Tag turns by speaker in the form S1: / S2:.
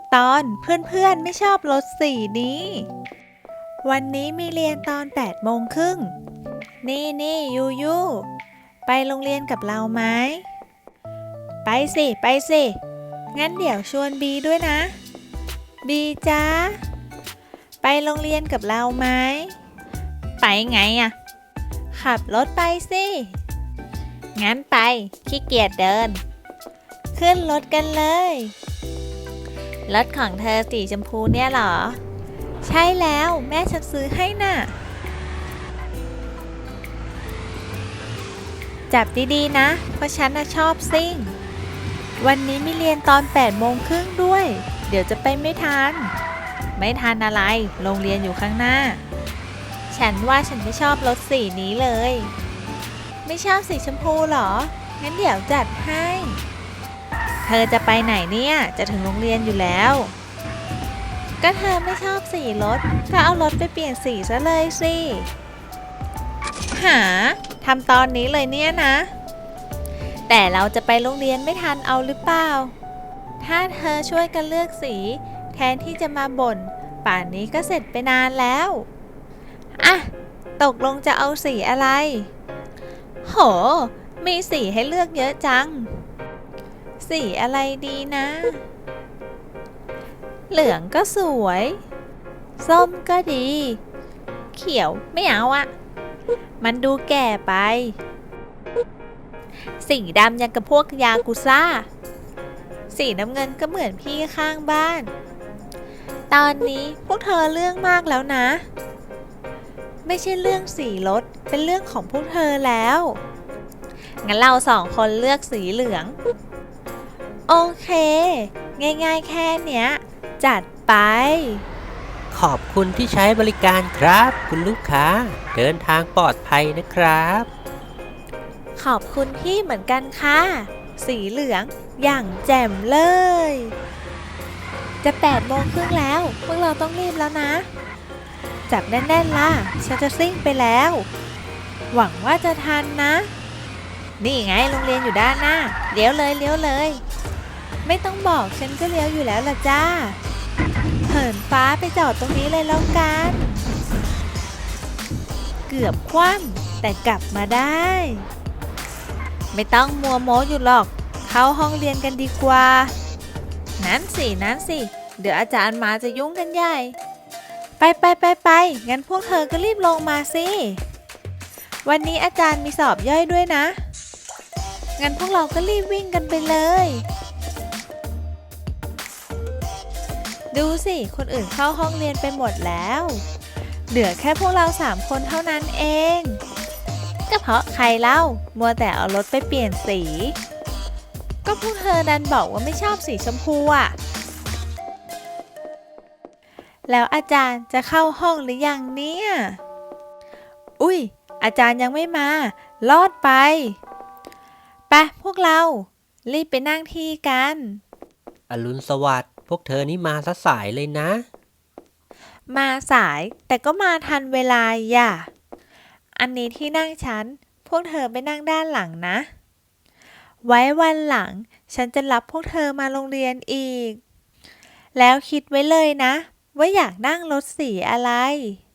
S1: ตอนเพื่อนๆไม่ชอบรถสีนี้ วันนี้มีเรียนตอน8 โมงครึ่งนี่ยูยูไปโรงเรียนกับเราไหมไปสิงั้นเดี๋ยวชวนบีด้วยนะบีจ้าไปโรงเรียนกับเราไหมไปไงอะขับรถไปสิงั้นไปขี้เกียจเดินขึ้นรถกันเลยรถของเธอสีชมพูเนี่ยเหรอใช่แล้วแม่ฉันซื้อให้น่ะจับดีๆนะเพราะฉันน่ะชอบซิ่งวันนี้มีเรียนตอน8 โมงครึ่งด้วยเดี๋ยวจะไปไม่ทันอะไรโรงเรียนอยู่ข้างหน้าฉันว่าฉันไม่ชอบรถสีนี้เลยไม่ชอบสีชมพูเหรองั้นเดี๋ยวจัดให้เธอจะไปไหนเนี่ยจะถึงโรงเรียนอยู่แล้วก็เธอไม่ชอบสีรถก็เอารถไปเปลี่ยนสีซะเลยสิหาทำตอนนี้เลยเนี่ยนะแต่เราจะไปโรงเรียนไม่ทันเอาหรือเปล่าถ้าเธอช่วยกันเลือกสีแทนที่จะมาบ่นป่านนี้ก็เสร็จไปนานแล้วอ่ะตกลงจะเอาสีอะไรโหมีสีให้เลือกเยอะจังสีอะไรดีนะเหลืองก็สวยส้มก็ดีเขียวไม่เอาอะมันดูแก่ไปสีดำยังกับพวกยากุซ่าสีน้ำเงินก็เหมือนพี่ข้างบ้านตอนนี้พวกเธอเรื่องมากแล้วนะไม่ใช่เรื่องสีรถเป็นเรื่องของพวกเธอแล้วงั้นเรา2 คนเลือกสีเหลืองโอเคง่ายๆแค่เนี้ยจัดไป
S2: ขอบคุณที่ใช้บริการครับคุณลูกค้าเดินทางปลอดภัยนะครับ
S1: ขอบคุณพี่เหมือนกันค่ะสีเหลืองอย่างแจ่มเลยจะ8 โมงครึ่งแล้วพวกเราต้องรีบแล้วนะจับแน่นๆล่ะฉันจะซิ่งไปแล้วหวังว่าจะทันนะนี่ไงโรงเรียนอยู่ด้านหน้าเลี้ยวเลยไม่ต้องบอกฉันก็เลี้ยวอยู่แล้วล่ะจ้าเหินฟ้าไปจอดตรงนี้เลยแล้วกันเกือบคว่ำแต่กลับมาได้ไม่ต้องมัวโม้อยู่หรอกเข้าห้องเรียนกันดีกว่านั้นสิเดี๋ยวอาจารย์มาจะยุ่งกันใหญ่ไปงั้นพวกเธอก็รีบลงมาสิวันนี้อาจารย์มีสอบย่อยด้วยนะงั้นพวกเราก็รีบวิ่งกันไปเลยดูสิคนอื่นเข้าห้องเรียนไปหมดแล้วเหลือแค่พวกเรา3 คนเท่านั้นเองก็เพราะใครเล่ามัวแต่เอารถไปเปลี่ยนสีก็พวกเธอดันบอกว่าไม่ชอบสีชมพูอ่ะแล้วอาจารย์จะเข้าห้องหรือยังเนี่ยอุ้ยอาจารย์ยังไม่มาลอดไปพวกเรารีบไปนั่งที่กัน
S2: อรุณสวัสดิ์พวกเธอนี่มาซะสายเลยนะ
S1: มาสายแต่ก็มาทันเวลาอย่าอันนี้ที่นั่งฉันพวกเธอไปนั่งด้านหลังนะไว้วันหลังฉันจะรับพวกเธอมาโรงเรียนอีกแล้วคิดไว้เลยนะว่าอยากนั่งรถสีอะไร